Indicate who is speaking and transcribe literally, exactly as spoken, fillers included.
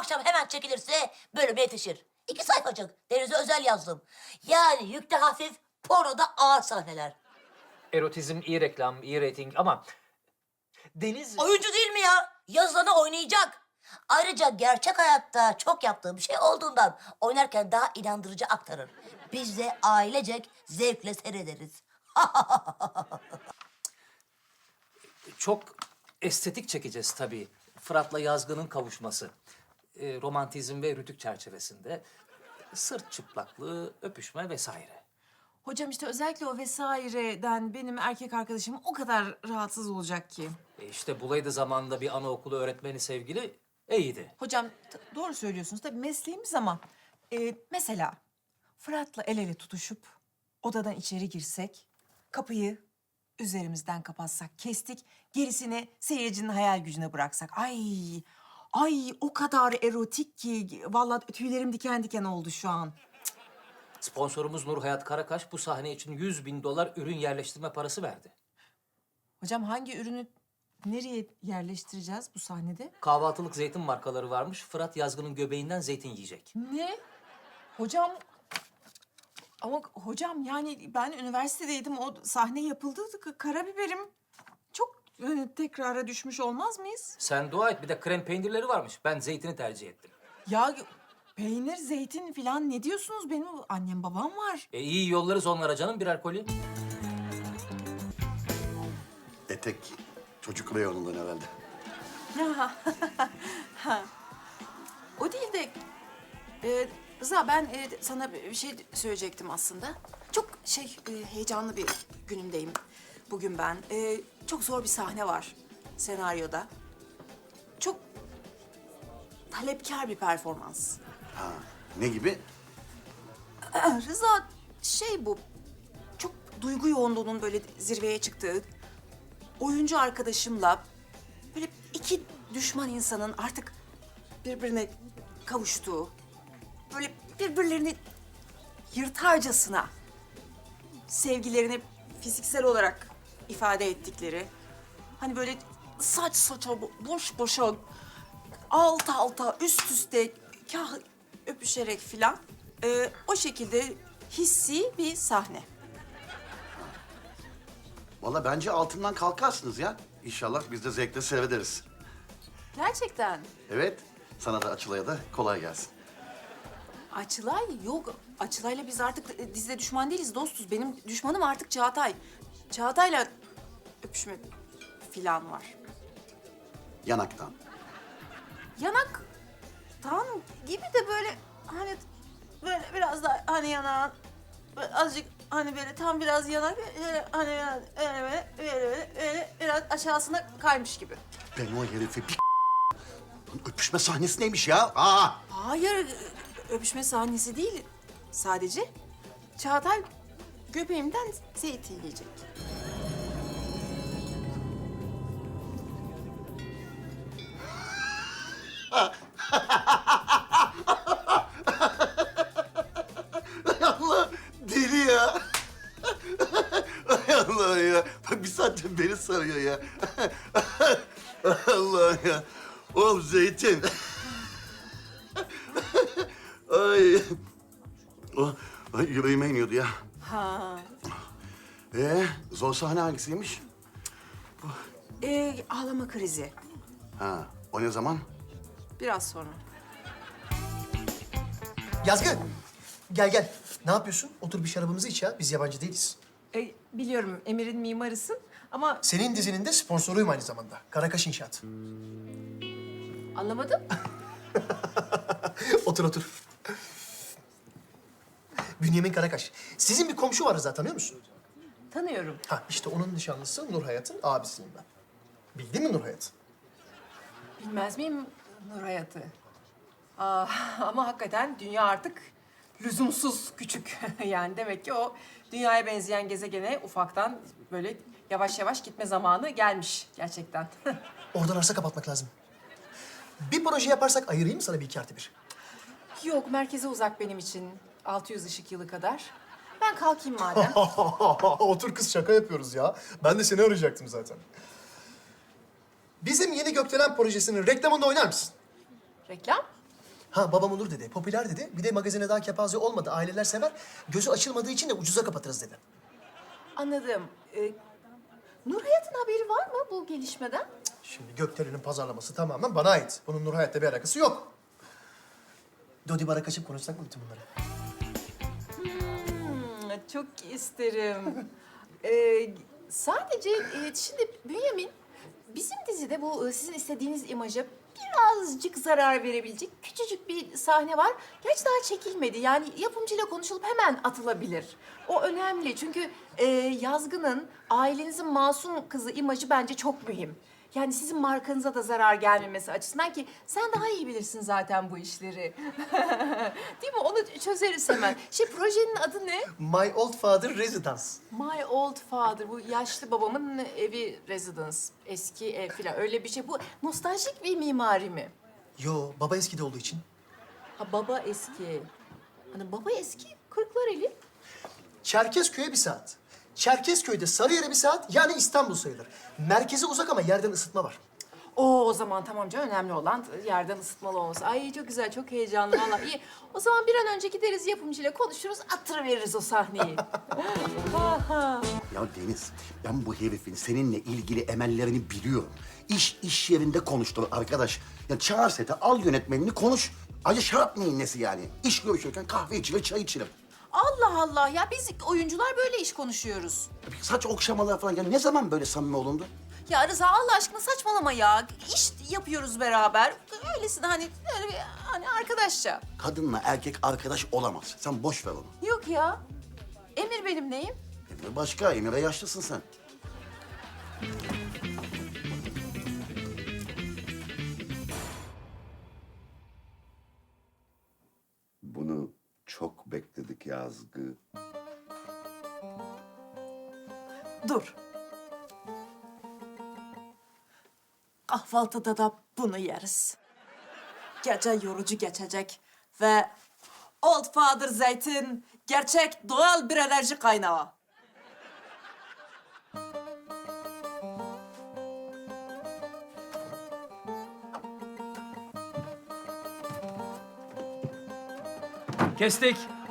Speaker 1: akşam hemen çekilirse bölüme yetişir. İki sayfacık. Deniz'e özel yazdım. Yani yükte hafif, pornoda ağır sahneler.
Speaker 2: Erotizm iyi reklam, iyi reyting ama Deniz...
Speaker 1: Oyuncu değil mi ya? Yazılanı oynayacak. Ayrıca gerçek hayatta çok yaptığım şey olduğundan oynarken daha inandırıcı aktarır. Biz de ailecek zevkle seyrederiz.
Speaker 2: Çok estetik çekeceğiz tabii. Fırat'la Yazgı'nın kavuşması. Ee, romantizm ve rütük çerçevesinde. Sırt çıplaklığı, öpüşme vesaire.
Speaker 3: Hocam işte özellikle o vesaireden benim erkek arkadaşım o kadar rahatsız olacak ki.
Speaker 2: E işte bulaydı zamanında bir anaokulu öğretmeni sevgili iyiydi.
Speaker 3: Hocam t- doğru söylüyorsunuz tabii mesleğimiz ama e, mesela Fırat'la el ele tutuşup odadan içeri girsek, kapıyı üzerimizden kapatsak, kestik, gerisini seyircinin hayal gücüne bıraksak. Ay, ay o kadar erotik ki vallahi tüylerim diken diken oldu şu an.
Speaker 2: Sponsorumuz Nur Hayat Karakaş bu sahne için yüz bin dolar ürün yerleştirme parası verdi.
Speaker 3: Hocam hangi ürünü nereye yerleştireceğiz bu sahnede?
Speaker 2: Kahvaltılık zeytin markaları varmış. Fırat Yazgı'nın göbeğinden zeytin yiyecek.
Speaker 3: Ne? Hocam ama hocam yani ben üniversitedeydim. O sahne yapıldı. K- Karabiberim çok e, tekrara düşmüş olmaz mıyız?
Speaker 2: Sen dua et bir de krem peynirleri varmış. Ben zeytini tercih ettim.
Speaker 3: Ya peynir, zeytin falan ne diyorsunuz? Benim annem babam var.
Speaker 2: E iyi yollarız onlara canım birer koli.
Speaker 4: Etek çocuk reyonundan herhalde.
Speaker 3: O değil de e, Rıza ben e, sana bir şey söyleyecektim aslında. Çok şey e, heyecanlı bir günümdeyim bugün ben. E, çok zor bir sahne var senaryoda. Çok talepkar bir performans.
Speaker 4: Ha, ne gibi?
Speaker 3: Rıza şey bu çok duygu yoğunluğunun böyle zirveye çıktığı, oyuncu arkadaşımla böyle iki düşman insanın artık birbirine kavuştuğu, böyle birbirlerini yırtarcasına sevgilerini fiziksel olarak ifade ettikleri, hani böyle saç saça boş boşa alt alta üst üste kah öpüşerek filan e, o şekilde hissi bir sahne.
Speaker 4: Vallahi bence altından kalkarsınız ya. İnşallah biz de zevkle seyrederiz.
Speaker 3: Gerçekten.
Speaker 4: Evet, sana da Açılay'a da kolay gelsin.
Speaker 3: Açılay yok. Açılay'la biz artık e, dizide düşman değiliz, dostuz. Benim düşmanım artık Çağatay. Çağatay'la öpüşme filan var.
Speaker 4: Yanaktan.
Speaker 3: Yanaktan gibi de böyle hani böyle biraz da hani yanağın böyle azıcık hani böyle tam biraz yanak böyle hani biraz öyle böyle böyle böyle, böyle biraz aşağısına kaymış gibi.
Speaker 4: Ben o herifi bir Lan öpüşme sahnesi neymiş ya? Aa!
Speaker 3: Hayır, öpüşme sahnesi değil. Sadece Çağatay göbeğimden zeytin yiyecek.
Speaker 4: Ay Allah, deli ya. Ay Allah ya. Bak bir saattir beni sarıyor ya. Allah ya. Oğlum zeytin. Ay. Oh, ay yüreğime iniyordu ya.
Speaker 3: Ha.
Speaker 4: Ee, zor sahne hangisiymiş?
Speaker 3: Ee, ağlama krizi.
Speaker 4: Ha, o ne zaman?
Speaker 3: Biraz sonra.
Speaker 5: Yazgı, gel gel. Ne yapıyorsun? Otur bir şarabımızı iç ya. Biz yabancı değiliz.
Speaker 3: Ee, biliyorum Emir'in mimarısın ama
Speaker 5: Senin dizinin de sponsoruyum aynı zamanda. Karakaş İnşaat.
Speaker 3: anlamadım.
Speaker 5: Otur otur. Bünyamin Karakaş. Sizin bir komşu var Rıza, tanıyor musun?
Speaker 3: Tanıyorum.
Speaker 5: Ha işte onun nişanlısı Nur Hayat'ın abisiyim ben. Bildin mi Nur Hayat'ı?
Speaker 3: Bilmez miyim Nur Hayat'ı? Aa, ama hakikaten dünya artık lüzumsuz küçük. Yani demek ki o dünyaya benzeyen gezegene ufaktan böyle yavaş yavaş gitme zamanı gelmiş gerçekten.
Speaker 5: Oradan arsa kapatmak lazım. Bir proje yaparsak ayırayım mı sana bir iki artı bir?
Speaker 3: Yok, merkeze uzak benim için. altı yüz ışık yılı kadar. Ben kalkayım madem.
Speaker 5: Otur kız, şaka yapıyoruz ya. Ben de seni arayacaktım zaten. Bizim Yeni Gökdelen projesinin reklamında oynar mısın?
Speaker 3: Reklam?
Speaker 5: Ha babam olur dedi. Popüler dedi. Bir de magazine daha kepaze olmadı. Aileler sever. Gözü açılmadığı için de ucuza kapatırız dedi.
Speaker 3: Anladım. Ee, Nur Hayat'ın haberi var mı bu gelişmeden?
Speaker 5: Şimdi Gökdelen'in pazarlaması tamamen bana ait. Bunun Nur Hayat'la bir alakası yok. Dodi bara kaçıp konuşsak mı bütün bunları?
Speaker 3: Hmm, çok isterim. ee, sadece e, şimdi Bünyamin, bizim dizide bu e, sizin istediğiniz imaja birazcık zarar verebilecek küçücük bir sahne var. Gerçi daha çekilmedi. Yani yapımcıyla konuşulup hemen atılabilir. O önemli çünkü e, Yazgı'nın ailenizin masum kızı imajı bence çok mühim. Yani sizin markanıza da zarar gelmemesi açısından ki sen daha iyi bilirsin zaten bu işleri. Değil mi? Onu çözeriz hemen. Şey projenin adı ne?
Speaker 5: My Old Father Residence.
Speaker 3: My Old Father. Bu yaşlı babamın evi residence. Eski ev falan öyle bir şey. Bu nostaljik bir mimari mi?
Speaker 5: Yo, baba eskide olduğu için.
Speaker 3: Ha baba eski. Hani baba eski Kırklareli.
Speaker 5: Çerkezköy'e bir saat. Çerkezköy'de Sarıyer'e bir saat, yani İstanbul sayılır. Merkeze uzak ama yerden ısıtma var.
Speaker 3: Oo, o zaman tamam canım, önemli olan yerden ısıtmalı olması. Ay çok güzel, çok heyecanlı vallahi iyi. O zaman bir an önce gideriz yapımcıyla konuşuruz, attırıveririz o sahneyi. Ha, ha.
Speaker 4: Ya Deniz, ben bu herifin seninle ilgili emellerini biliyorum. İş iş yerinde konuştur arkadaş. Ya çağır sete, al yönetmenini konuş. Ayrıca şarap neyin nesi yani? İş görüşürken kahve içilir, çay içilir.
Speaker 3: Allah Allah ya, biz oyuncular böyle iş konuşuyoruz.
Speaker 4: Ya bir saç okşamalar falan. Ya ne zaman böyle samimi olundu?
Speaker 3: Ya Rıza Allah aşkına saçmalama ya. İş yapıyoruz beraber. Öylesine hani, öyle bir, hani arkadaşça.
Speaker 4: Kadınla erkek arkadaş olamaz. Sen boş ver onu.
Speaker 3: Yok ya. Emir benim neyim?
Speaker 4: Emre başka, Emir'e yaşlısın sen.
Speaker 6: Bunu çok bekledik Yazgı.
Speaker 3: Dur. Kahvaltıda da bunu yeriz. Gece yorucu geçecek ve Old Father Zeytin gerçek doğal bir enerji kaynağı.
Speaker 2: Kestik.